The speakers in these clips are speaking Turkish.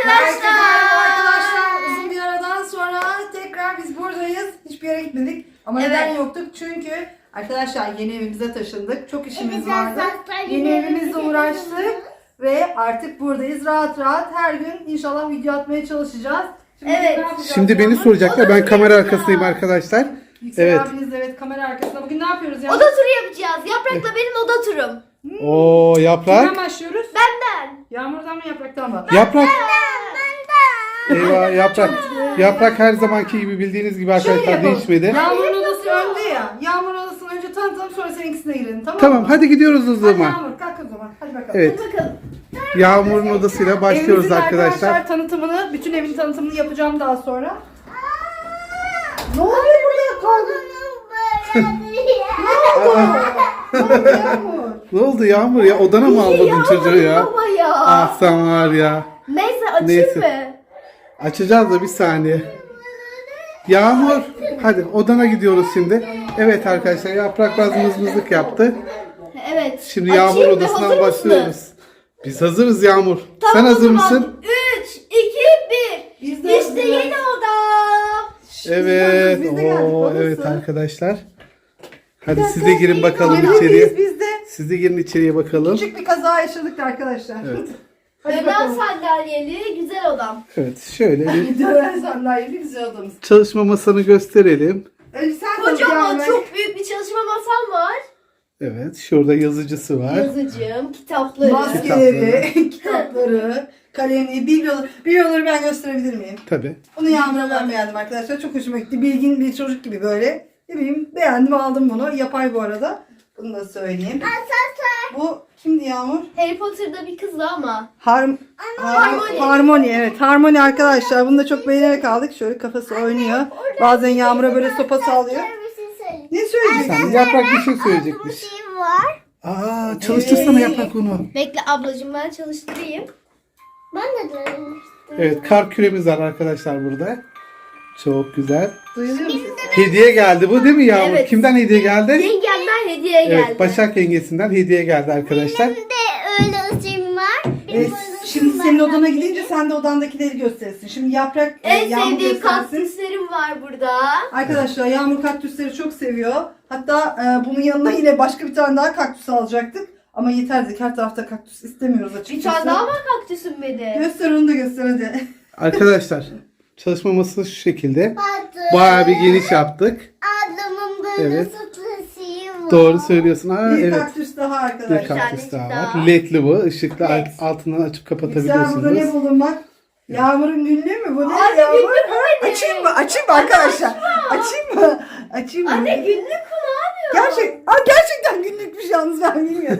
arkadaşlar. Arkadaşlar uzun bir aradan sonra tekrar biz buradayız. Hiçbir yere gitmedik. Ama neden yoktuk? Çünkü arkadaşlar yeni evimize taşındık. Çok işimiz vardı. Yeni evimizle uğraştık. Ve artık buradayız. Rahat rahat her gün inşallah video atmaya çalışacağız. Şimdi Şimdi beni soracaklar. Ben kamera arkasındayım arkadaşlar. Yüksel abiniz de kamera arkasında. Bugün ne yapıyoruz ya? Oda turu yapacağız. Yaprak'la benim oda turum. Oo Yaprak. Kimden başlıyoruz? Benden. Yağmurdan mı Yaprak'tan mı? Yaprak. Eyvah Yaprak. Yaprak her zamanki gibi bildiğiniz gibi arkadaşlar değişmedi. Yağmur'un odası önde ya. Yağmur'un odasını önce tanıtalım sonra seninkisine girelim, tamam mı? Tamam hadi gidiyoruz o Hadi zaman. Yağmur kalk o zaman. Hadi bakalım. Evet. Hadi bakalım. Yağmur'un odasıyla başlıyoruz Evimizin arkadaşlar. tanıtımını, bütün evin tanıtımını yapacağım daha sonra. Ne oluyor burada? Kaldın. Ne oldu Yağmur? Ne oldu Yağmur ya? Odana mı almadın çocuğu ya? Baba ya. Ah sen var ya. Neyse açayım Neyse. mı? Açacağız da bir saniye. Yağmur. Hadi odana gidiyoruz şimdi. Evet arkadaşlar Yaprak biraz mızmızlık yaptı. Evet. Şimdi Açayım Yağmur mı? odasından Hazır mısınız? başlıyoruz. Biz hazırız Yağmur. Tamam, Sen o hazır zaman. mısın? 3, 2, 1. Biz de İşte hazırız. yeni odam. Evet. Biz de geldik, Oo, babası. evet arkadaşlar. Hadi siz de girin bakalım Yemeğimiz içeriye. bizde. Siz de girin içeriye bakalım. Küçük bir kaza yaşadık arkadaşlar. Evet. Hadi Dönen bakalım. sandalyeli güzel odam. Evet şöyle bir Dönen sandalyeli güzel odamız. çalışma masanı gösterelim. Önce sen Kocaman tanıt çok büyük bir çalışma masam var. Evet şurada yazıcısı var. Yazıcım, kitapları. maskeleri, kitapları, kalemi, bibloları ben gösterebilir miyim? Tabii. Bunu Yağmur'a ben beğendim arkadaşlar. Çok hoşuma gitti. Bilgin bir çocuk gibi böyle. Ne bileyim beğendim aldım bunu. Yapay bu arada. Bunu da söyleyeyim. Bu kimdi Yağmur? Harry Potter'da bir kızdı ama. Harmony evet. Harmony arkadaşlar. Bunu da çok beğenerek aldık. Şöyle kafası oynuyor. Bazen Yağmur'a böyle sopa sallıyor. Ne söyleyeceksin? Sen Yaprak bir şey söyleyecekmiş. var. Aa çalıştırsana Yaprak onu. Bekle ablacığım ben çalıştırayım. Ben de denemiştim. Evet kar küremiz var arkadaşlar burada. Çok güzel. Duyuluyor musun? Hediye geldi bu değil mi Yağmur? Evet. Kimden hediye geldi? Yengemden hediye geldi. Evet Başak yengesinden hediye geldi arkadaşlar. de öyle ışığım var. Şimdi senin odana gidince sen de odandakileri gösterirsin. Şimdi Yaprak En Yağmur sevdiğim göstersin. kaktüslerim var burada. Arkadaşlar Yağmur kaktüsleri çok seviyor. Hatta bunun yanına yine başka bir tane daha kaktüs alacaktık. Ama yeter dedik, her tarafta kaktüs istemiyoruz Bir açıkçası. tane daha var kaktüsüm benim. Göster onu da göster hadi. Arkadaşlar çalışma masası şu şekilde. Bayağı bir geniş yaptık. Adamın böyle Evet. satışı var. Doğru söylüyorsun. Aa, Bir evet. kaktüs daha Bir arkadaşlar. kaktüs daha daha. var. Ledli bu. Işıklı Led. altından açıp Yüksel burada ne kapatabiliyorsunuz. buldun bak? Yağmur'un günlüğü mü bu? Ne Anne, Yağmur? günlük bu ne? Açayım mı? Açayım mı arkadaşlar? Açayım mı? Açayım mı? Anne günlük mü ne yapıyor? Gerçekten günlükmüş yalnız ben bilmiyorum.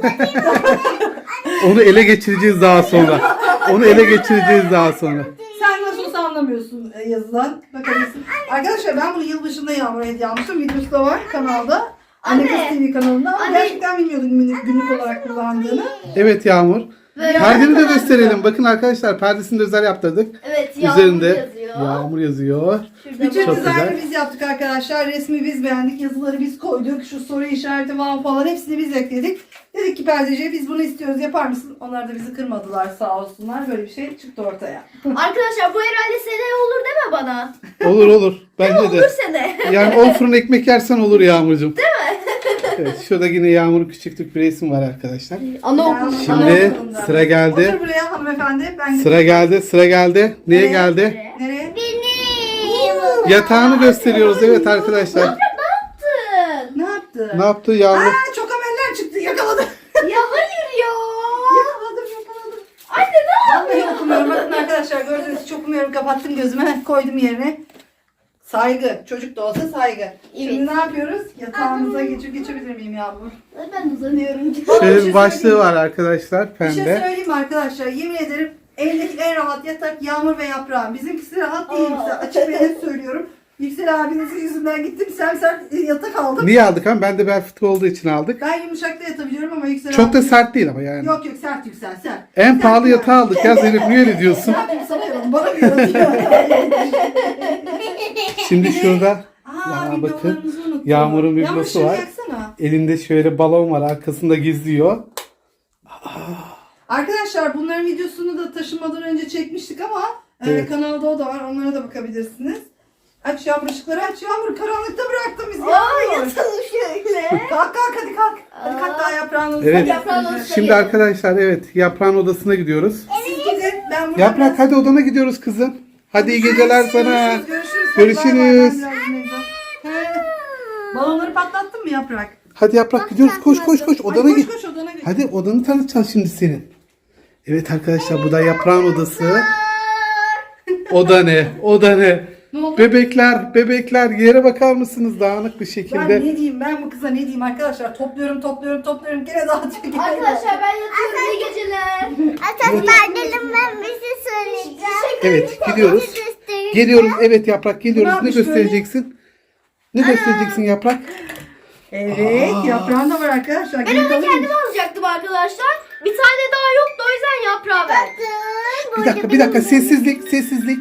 Onu ele geçireceğiz daha sonra. Onu ele geçireceğiz daha sonra. Sen nasıl olsa anlamıyorsun yazılan. Bakabilirsin. Arkadaşlar ben bunu yılbaşında Yağmur'a hediye almıştım. Videosu da var kanalda. Anne Kız TV kanalında. Ama Anne. gerçekten bilmiyordum günlük olarak kullandığını. Evet Yağmur. Böyle Perdeni de kadar gösterelim. Bakın arkadaşlar perdesini de özel yaptırdık. Evet Yağmur Üzerinde yazıyor. Yağmur yazıyor. Şurada Bütün Çok dizaynı güzel. biz yaptık arkadaşlar. Resmi biz beğendik. Yazıları biz koyduk. Şu soru işareti wow falan hepsini biz ekledik. Dedik ki perdeciye biz bunu istiyoruz, yapar mısın? Onlar da bizi kırmadılar sağ olsunlar. Böyle bir şey çıktı ortaya. Arkadaşlar bu herhalde seneye olur deme bana. Olur olur. Bence Olur de. sene. Yani 10 fırın ekmek yersen olur Yağmurcuğum. Değil mi? Evet şurada yine Yağmur'un küçüklük bir resim var arkadaşlar. Anaokulu. Şimdi sıra geldi. Otur buraya hanımefendi. Ben Sıra geldi. Sıra geldi. Neye Nereye? geldi? Nereye? Benim. Yatağını gösteriyoruz evet arkadaşlar. Ne yaptın? Ne yaptı? Ne yaptı Yağmur? Aa, çok ameller çıktı. Yakaladım. Ya hayır ya. Yakaladım. Anne ne Vallahi yapıyorsun? okumuyorum. Bakın arkadaşlar gördüğünüz gibi çok okumuyorum. Kapattım gözüme. Koydum yerine. Saygı. Çocuk da olsa saygı. Şimdi ne yapıyoruz? Yatağımıza geçebilir miyim Yağmur? Ben uzanıyorum. Şöyle bir başlığı var arkadaşlar Bir şey pembe. söyleyeyim mi arkadaşlar? Yemin ederim evdeki en rahat yatak Yağmur ve Yaprağın. Bizimkisi rahat değil. Size açık ve net söylüyorum. Yüksel abinizin yüzünden gittim. Sert yatak aldım. Niye aldık ama? Ben de bel fıtığı olduğu için aldık. Ben yumuşakta yatabiliyorum ama Yüksel Çok da abi- sert değil ama yani. Yok sert Yüksel sert. En Sert pahalı yani. yatağı aldık ya Zeynep niye öyle diyorsun? Ne yapayım sana yalan, bana mı yaratıyor? Şimdi şurada Aa, bakın, biblolarımızı unuttum. Yağmur'un Yağmur biblosu şunu var. yaksana. Elinde şöyle balon var arkasında gizliyor. Arkadaşlar bunların videosunu da taşınmadan önce çekmiştik ama Evet. kanalda o da var. Onlara da bakabilirsiniz. Aç Yağmur, ışıkları aç Yağmur. Karanlıkta bıraktın bizi Aa, Yağmur. yatalım şöyle. Kalk hadi kalk. Hadi kalk daha yaprağın odasına Evet. Yaprağın odasına Şimdi arkadaşlar evet yaprağın odasına gidiyoruz. Siz gidin. Ben burada Yaprak hadi odana gidiyoruz kızım. Hadi iyi geceler sana. Görüşürüz. Görüşürüz. Hadi bay bay, ben biraz dinleneceğim. Balonları patlattın mı Yaprak? Hadi Yaprak gidiyoruz. Koş odana Hadi git. koş odana git. Hadi odanı tanıtacağız şimdi senin. Evet arkadaşlar bu da yaprağın odası. Oda ne? Oda ne? Ne oldu? Bebekler yere bakar mısınız dağınık bir Ben şekilde? ne diyeyim, ben bu kıza ne diyeyim arkadaşlar, topluyorum gene dağıtıyor. gene Arkadaşlar ben yatıyorum. İyi geceler. Arkadaşlar gelin ben bir şey söyleyeceğim. Evet gidiyoruz. Göstereyim. Geliyoruz evet Yaprak geliyoruz. Ne Ne yapmış göstereceksin? Ne göstereceksin Yaprak? Evet, yaprağın da var arkadaşlar. Ben Gelin onu kalın. kendim alacaktım arkadaşlar. Bir tane daha yoktu o yüzden yaprağı verdim. Bir dakika sessizlik.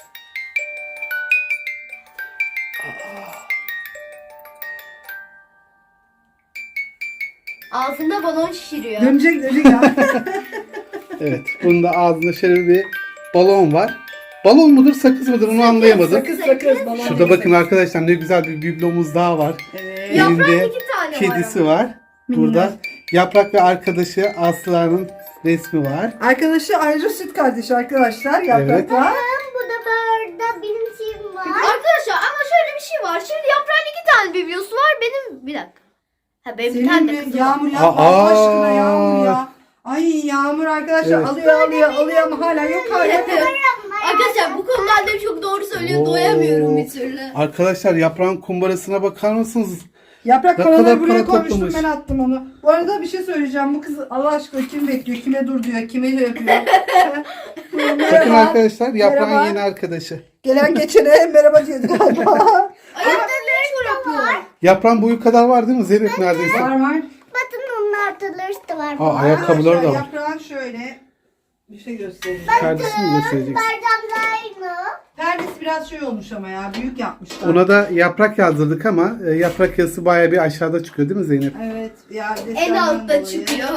Ağzında balon şişiriyor. Dönecek ya. Evet bunun da ağzında şöyle bir balon var. Balon mudur sakız mıdır onu anlayamadım. Sakız balon. Şurada bakın arkadaşlar ne güzel bir biblomuz daha var. Evet. Yaprağın Elinde 2 tane var kedisi ama. var. Burada Yaprak ve arkadaşı Aslı'nın resmi var. Arkadaşı ayrıca süt kardeşi arkadaşlar. Yaprak Evet. var. Bu da burada benim şeyim var. Arkadaşlar ama şöyle bir şey var. Şimdi yaprağın 2 tane bibliosu var. Benim bir dakika. Ha benim bir tane Senin de bir kızım var. Yağmur yapma Allah aşkına Yağmur Aa. ya. Ay Yağmur arkadaşlar Evet. alıyor ama hala yok hala. Arkadaşlar bu konuda annem çok doğru söylüyor. Oo. Doyamıyorum bir türlü. Arkadaşlar Yaprağın kumbarasına bakar mısınız? Yaprak Ne paraları kadar buraya para koymuştum, toplamış. ben attım onu. Bu arada bir şey söyleyeceğim. Bu kız Allah aşkına kim bekliyor, kime dur diyor, kime şey yapıyor. Bakın Merhaba. arkadaşlar Yaprağın Merhaba. yeni arkadaşı. Gelen geçene merhaba diyordu galiba. Ayakta ne yapıyor? Yaprağın boyu kadar var değil mi Zeynep neredeyse? var. Bakın onun ortaları da var. Aa, ayakkabıları da var. Yaprağın şöyle bir şey göstereyim. Perdesini mi göstereceksin? Bardağımda aynı. Perdesi biraz şey olmuş ama ya, büyük yapmışlar. Ona da yaprak yazdırdık ama yaprak yazısı bayağı bir aşağıda çıkıyor değil mi Zeynep? Evet ya, En desenden altta dolayı. çıkıyor.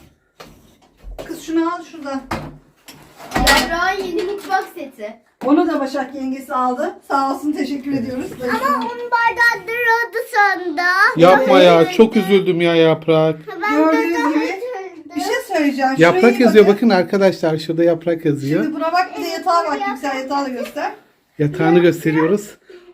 Kız şunu al şuradan. Yaprağın yeni mutfak seti. Onu da Başak yengesi aldı. Sağ olsun, teşekkür ediyoruz. Ama onun bardağı duruyordu sonunda. Yapma ya çok üzüldüm ya yaprak. Ben Gördüğünüz de daha gibi üzüldüm. bir şey söyleyeceğim. Şuraya Yaprak iyi yazıyor bakın arkadaşlar şurada yaprak yazıyor. Şimdi buna bak, bir de yatağa bak. Yüksel yatağı da göster. Yatağını gösteriyoruz.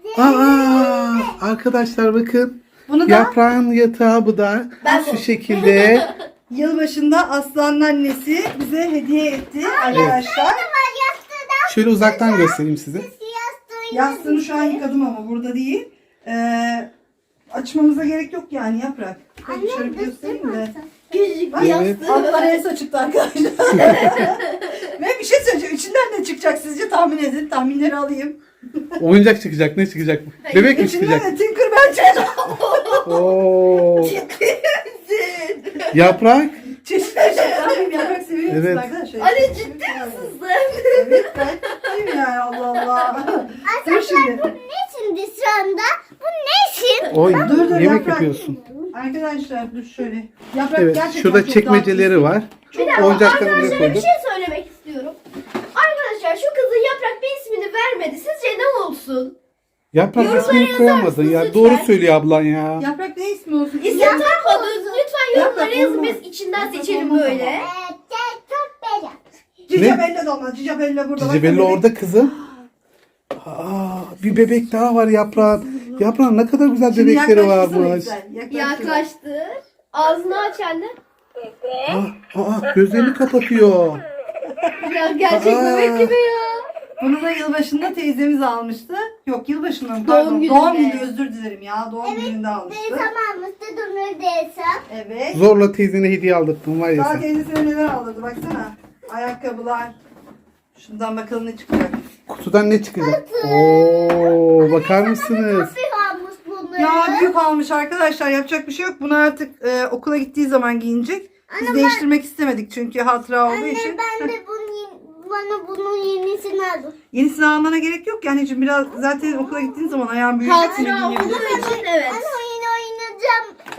Aa arkadaşlar bakın. Bunu da Yaprağın yatağı bu da şu şekilde. yılbaşında Aslan'ın annesi bize hediye etti arkadaşlar. Şöyle uzaktan göstereyim size. Yastığını şu an yıkadım ama burada değil. Açmamıza gerek yok yani Yaprak. Hadi şöyle bir göstereyim de. Küçücük Bak, bir Evet. yastığı. Altlar Elsa çıktı arkadaşlar. Ve bir şey söyleyeceğim. İçinden ne çıkacak sizce, tahmin edin. Tahminleri alayım. Oyuncak çıkacak ne çıkacak? Bebek mi İçinden çıkacak? de Tinkerbell çıkacak. Oo. Yaprak. Çeşitler tahmin Yaprak seviyor musun Evet. arkadaşlar? Anne ciddi misin sen? Evet, ben ciddiyim yani, Allah Allah. Dur şimdi. Ne şimdi şu anda? Bu ne şimdi? Oy Dur, yemek Yaprak. yapıyorsun. Arkadaşlar dur şöyle. Yaprak Evet gerçekten şurada çok çekmeceleri var. Bir dakika Oyuncaklarını buraya arkadaşlara bir koyduk. şey söylemek istiyorum. Arkadaşlar şu kızın Yaprak bir ismini vermedi. Sizce ne olsun? Yaprak Yorumlara ismini yazar koyamadın mısınız ya. lütfen? Doğru söylüyor ablan ya. Yaprak ne ismi olsun? İsim takmadınız. Lütfen yorumlara Yaprak yazın. olmaz. Biz içinden Yaprak seçelim olmaz böyle. Çok bela. Cica Bella da olmaz. Cica Bella burada. Cici Bak, Belli bebek. orada kızım. Aa, bir bebek daha var yaprağın. Yaprağın ne kadar güzel Şimdi bebekleri yaklaştırsana varmış. güzel, yaklaştır. Yaklaştır. Ağzını aç anne. Gözlerini kapatıyor. Ya gerçek Aa. bebek gibi ya. Bunu da yılbaşında teyzemiz almıştı. Yok, yılbaşında mı? Doğum Pardon. gününde. Doğum günü, özür dilerim ya. Doğum gününde almıştı. Tamamızda durur desem. Evet. Zorla teyzene hediye aldırttım var ya Daha sen. teyzesine neler aldırdı baksana. Ayakkabılar. Şundan bakalım ne çıkacak. Kutudan ne çıkacak? Oo, bakar mısınız? Bir almış bunu. Ya büyük almış arkadaşlar, yapacak bir şey yok. Bunu artık okula gittiği zaman giyinecek. Biz değiştirmek istemedik çünkü hatıra olduğu için. Ben de bana bunun yenisini aldım. Yenisini almana gerek yok yani, anneciğim, biraz zaten okula gittiğin zaman ayağın büyüyecek. Hatıra olduğu için evet. Ben oyun oynayacağım. Ben oyun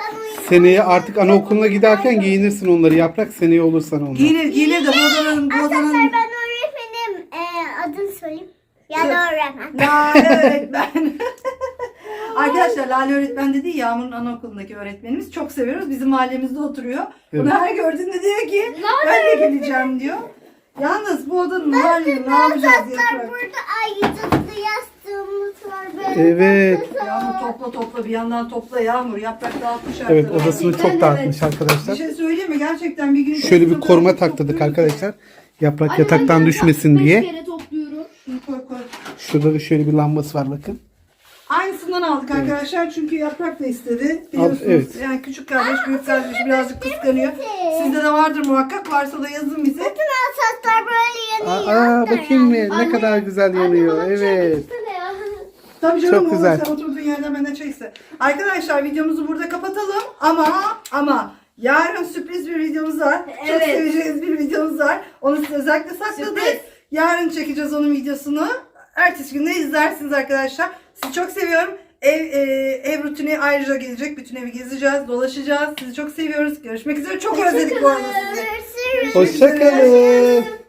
Seneye artık anaokuluna giderken giyinirsin onları. Yaprak seneye olursan onlar. Giyinir de bu odanın Ben öğretmenim. Adını söyleyeyim. Ya da öğretmen. Lale öğretmen. Arkadaşlar Lale öğretmen dediği Yağmur'un anaokulundaki öğretmenimiz. Çok seviyoruz. Bizim mahallemizde oturuyor. Evet. Bunu her gördüğünde diyor ki ben de geleceğim diyor. Yalnız bu odanın halini ne yapacağız Yaprak? Burada ayıcıklı yastığımız var. Böyle Evet. Yağmur topla bir yandan topla Yağmur. Yaprak dağıtmış artık. Evet, odasını çok dağıtmış Bir arkadaşlar. şey söyleyeyim mi? Gerçekten bir gün... Şöyle bir koruma taktırdık arkadaşlar. Yaprak yataktan düşmesin diye. Kere topluyorum. Şunu koy. Şurada da şöyle bir lambası var bakın. Aynısından aldık arkadaşlar çünkü Yaprak da istedi. Biliyorsunuz evet. yani küçük kardeş, büyük kardeş birazcık kıskanıyor. Sizde de vardır muhakkak. Varsa da yazın bize. saçlar böyle yanıyor. Bakayım mı? Ne kadar güzel yanıyor. Evet. Tabii canım, Çok güzel. Sen oturduğun yerden benden çekse. Arkadaşlar videomuzu burada kapatalım ama yarın sürpriz bir videomuz var. Çok Evet. seveceğiniz bir videomuz var. Onu size özellikle sakladık. Sürpriz. Yarın çekeceğiz onun videosunu. Ertesi gün de izlersiniz arkadaşlar. Sizi çok seviyorum. Ev rutini ayrıca gelecek. Bütün evi gezeceğiz, dolaşacağız. Sizi çok seviyoruz. Görüşmek üzere. Çok özledik bu arada sizi. Görüşürüz. Görüşmek üzere. Hoşçakalın.